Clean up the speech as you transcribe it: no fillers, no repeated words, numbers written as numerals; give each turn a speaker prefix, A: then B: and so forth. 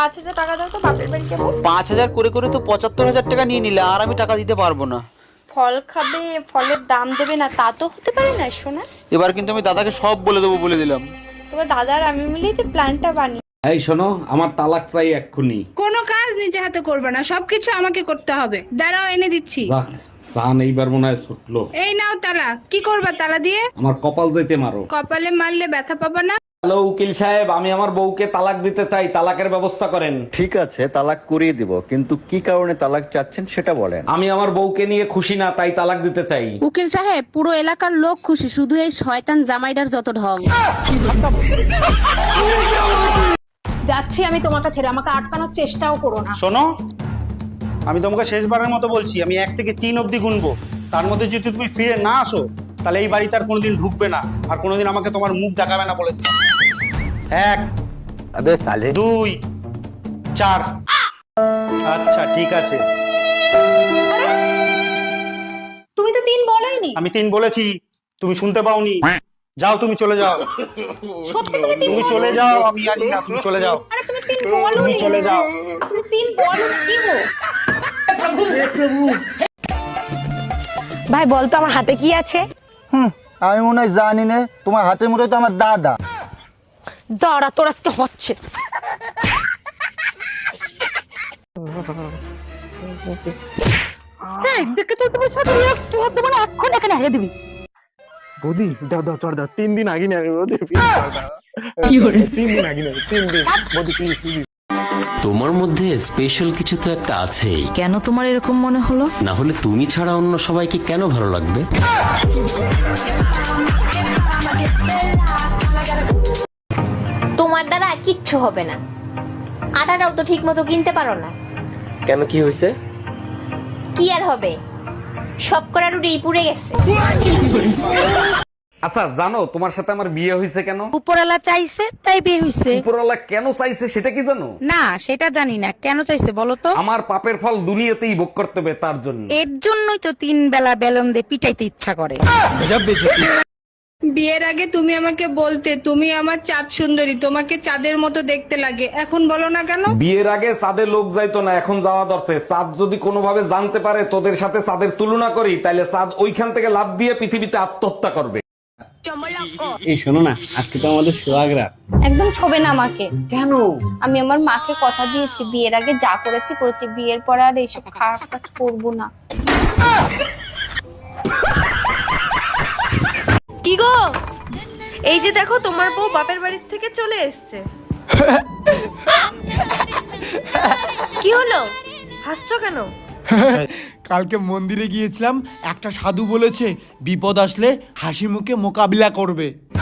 A: 5,000 টাকা দাও তো, বাপের বাড়ি যাবো।
B: 5,000 করে করে তো 75,000 টাকা নিয়ে নিলে, আর আমি টাকা দিতে পারবো না।
A: ফল খাবে, ফলের দাম দেবে না, তা তো হতে পারে না সোনা।
B: এবার কিন্তু আমি দাদাকে সব বলে দেবো, বলে দিলাম।
A: তোমার দাদার আমি মিলেই তো প্ল্যানটা বানিয়ে।
C: এই শোনো, আমার তালাক চাই এক্ষুনি।
D: কোনো কাজ নিজে হাতে করবে না, সবকিছু আমাকে করতে হবে। দাঁড়াও, এনে দিচ্ছি।
C: যাক, সান এইবার মনে হয় ছুটলো।
D: এই নাও তালা। কি করবা তালা দিয়ে?
C: আমার কপাল যাইতে মারো।
D: কপালে মারলে ব্যথা পাবা না।
C: হ্যালো উকিল সাহেব, আমি আমার বউকে তালাক দিতে চাই, তালাকের ব্যবস্থা করেন।
E: ঠিক আছে, তালাক করিয়ে দিব, কিন্তু কি কারণে তালাক চাচ্ছেন সেটা বলেন।
C: আমি আমার বউকে নিয়ে খুশি না, তাই তালাক দিতে চাই।
F: উকিল সাহেব, পুরো এলাকার লোক খুশি, শুধু এই শয়তান জামাইটার যত ঢং।
D: যাচ্ছি আমি তোমাকে ছেড়ে, আমাকে আটকানোর চেষ্টাও করো না।
G: শোনো, আমি তোমাকে শেষবারের মতো বলছি, আমি 1 থেকে 3 অবধি গুনবো। তার মধ্যে যদি তুমি ফিরে না আসো, তাহলে এই বাড়িতে আর কোনোদিন ঢুকবে না, আর কোনোদিন আমাকে তোমার মুখ দেখাবে না বলে দিলাম। 1 2 4। আচ্ছা ঠিক আছে।
A: তুমি তো 3 বলোইনি।
G: আমি 3 বলেছি, তুমি শুনতে পাওনি। যাও, তুমি চলে যাও।
A: সত্যি তুমি 3
G: তুমি চলে যাও, আমি জানি না, তুমি চলে যাও।
A: আরে তুমি 3 বলো।
G: তুমি চলে যাও।
A: তুমি 3 বলো কি গো?
F: ভাই বলতো আমার হাতে কি আছে?
H: আমি মনে হয় জানি না, তোমার হাতের মধ্যে তো আমার দাদা।
F: দাঁড়া, তোর আজকে হচ্ছে। দেখে চল, তোমার সাথে তোর দেবো না, এখন এখানে হারিয়ে দিবি।
I: বৌদি দাও দাও চড় দাও, 3 দিন আগে না বৌদি, কি হলো 3 দিন আগে না, 3 দিন বৌদি প্লিজ।
J: তোমার মধ্যে স্পেশাল কিছু তো একটা আছেই।
F: কেন তোমার এরকম মনে হলো?
J: না হলে তুমি ছাড়া অন্য সবাইকে কেন ভালো লাগবে?
K: তোমার দ্বারা কিচ্ছু হবে না, আটাটাও তো ঠিক মতো কিনতে পারো না।
I: কেন, কি হয়েছে?
K: কি আর হবে, সব করা রুটি পুড়ে গেছে।
C: আচ্ছা জানো, তোমার সাথে আমার বিয়ে হয়েছে কেন?
F: উপরওয়ালা চাইছে তাই বিয়ে হইছে।
C: উপরওয়ালা কেন চাইছে সেটা কি জানো?
F: না, সেটা জানি না, কেন চাইছে বলো তো?
C: আমার পাপের ফল দুনিয়াতেই ভোগ করতে হবে, তার জন্য।
F: এর জন্যই তো 3 বেলা বেলন দিয়ে পিটাইতে ইচ্ছা করে।
D: বিয়ের আগে তুমি আমাকে বলতে তুমি আমার চাঁদ সুন্দরী, তোমাকে চাঁদের মতো দেখতে লাগে, এখন বলো না কেন?
C: বিয়ের আগে চাঁদে লোক যাইতো না, এখন যাওয়া দরছে। চাঁদ যদি কোনোভাবে জানতে পারে তোদের সাথে চাঁদের তুলনা করি, তাহলে চাঁদ ওইখান থেকে লাফ দিয়ে পৃথিবীতে আত্মহত্যা করবে।
I: এই শোনো না, আজকে তো আমাদের সোহাগরা।
A: একদম ছবে না আমাকে। কেন? আমি আমার মাকে কথা দিয়েছি, বিয়ের আগে যা করেছি করেছি, বিয়ের পর আর এইসব খারাপ কাজ করবো না।
L: কি গো, এই যে দেখো তোমার বউ বাপের বাড়ির থেকে চলে এসছে। কি হলো, হাসছো কেন?
H: কালকে মন্দিরে গিয়েছিলাম, একটা সাধু বলেছে বিপদ আসলে হাসি মুখে মোকাবিলা করবে।